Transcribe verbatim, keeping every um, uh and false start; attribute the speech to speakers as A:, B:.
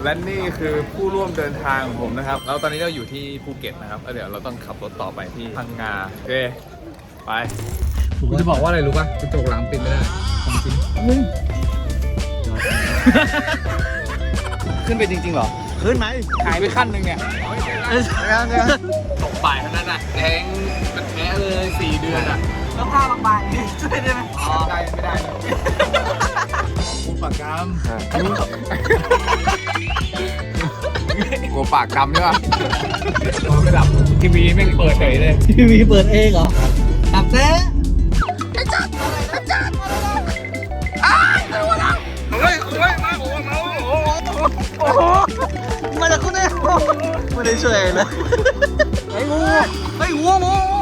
A: และนี่คือผู้ร่วมเดินทางของผมนะครับแล้วตอนนี้เราอยู่ที่ภูเก็ตนะครับแล้วเดี๋ยวเราต้องขับรถต่อไปที่พังงาโอเคไปกูจะบอกว่าอะไรรู้ป่ะกระจกหลังปิดไม่ได้ของจริงขึ้นไปจริงๆเหรอขึ้นไหมหายไปขั้นหนึ่งเนี่ยตกป่ายขนาดนั้นอ่ะแดงเป็นแผลเลยสี่เดือนอ่ะแล้วผ้าบางๆนี่ช่วยได้ไหมอ๋อได้ไม่ได้กูปากกำกูปากกำใช่ป่ะไม่ดับทีวีไม่เปิดเฉยเลย
B: ทีวีเปิดเองเหรอตับเต้
A: เฮ้ยเฮ้ยมาโอ้โหโอ้โห
B: มาจากคุณเนี่ยไม่ได้ช่วยเลยไอ้งูไอ้งูงู